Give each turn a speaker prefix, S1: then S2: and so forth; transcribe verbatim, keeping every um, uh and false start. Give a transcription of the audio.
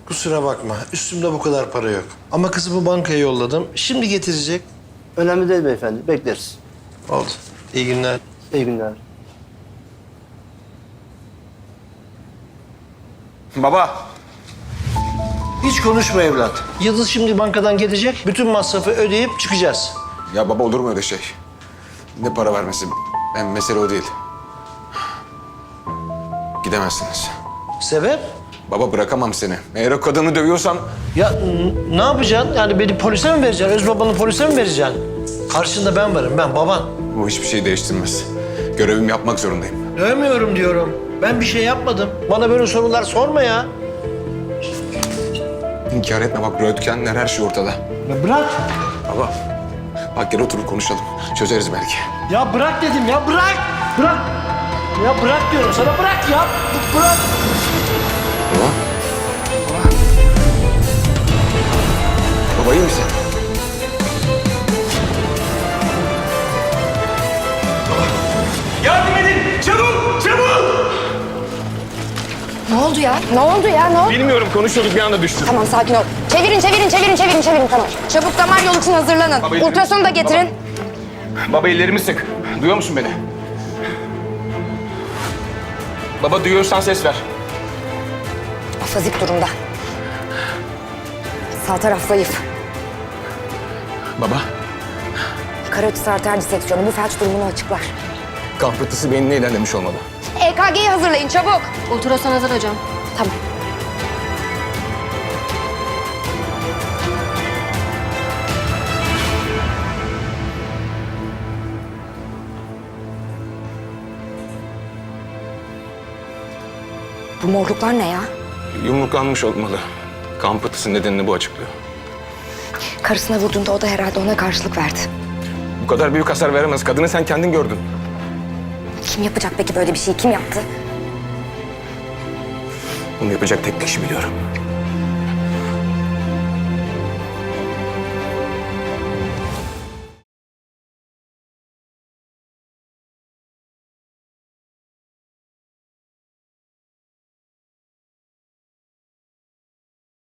S1: Kusura bakma. Üstümde bu kadar para yok. Ama kızımı bankaya yolladım. Şimdi getirecek.
S2: Önemli değil beyefendi. Bekleriz.
S1: Oldu. İyi günler.
S2: İyi günler.
S3: Baba.
S1: Hiç konuşma evlat. Yıldız şimdi bankadan gelecek. Bütün masrafı ödeyip çıkacağız.
S3: Ya baba olur mu öyle şey? Ne para vermesi? Ben mesele o değil. Gidemezsiniz.
S1: Sebep?
S3: Baba bırakamam seni. Eğer o kadını dövüyorsan
S1: Ya n- ne yapacaksın? Yani beni polise mi vereceksin? Öz babanı polise mi vereceksin? Karşında ben varım, ben baban.
S3: bu hiçbir şey değiştirmez. Görevimi yapmak zorundayım.
S1: Dövmüyorum diyorum. Ben bir şey yapmadım. Bana böyle sorular sorma ya.
S3: İnkar etme bak röntgenler her şey ortada.
S1: Ya bırak.
S3: Baba bak gel oturup konuşalım. Çözeriz belki.
S1: Ya bırak dedim ya, bırak. Bırak. Ya bırak diyorum sana, bırak ya. B- Bırak.
S3: Baba. Baba. Baba iyi misin?
S4: Yardım edin! Çabuk! Çabuk!
S5: Ne oldu ya? Ne oldu ya? Ne oldu?
S4: Bilmiyorum konuşuyorduk bir anda düştü.
S5: Tamam sakin ol. Çevirin, çevirin, çevirin, çevirin, çevirin. Tamam. Çabuk damar yolu için hazırlanın.
S4: Baba,
S5: Ultrasonu da getirin.
S4: Baba ellerimi sık. Duyuyor musun beni? Baba duyuyorsan ses ver.
S5: Afazik durumda. Sağ taraf zayıf.
S3: Baba.
S5: Karaciğer arter diseksiyonu bu felç durumunu açıklar.
S3: Kan pıhtısı beynine ilerlemiş olmalı.
S5: E K G'yi hazırlayın çabuk.
S6: Ultrason hazır hocam.
S5: Tamam. Bu morluklar ne ya?
S3: Yumruklanmış olmalı. Kan pıhtısı nedenini bu açıklıyor.
S5: Karısına vurduğunda o da herhalde ona karşılık verdi.
S3: Bu kadar büyük hasar veremez. Kadını sen kendin gördün.
S5: Kim yapacak peki böyle bir şeyi? Kim yaptı?
S3: Bunu yapacak tek kişi biliyorum.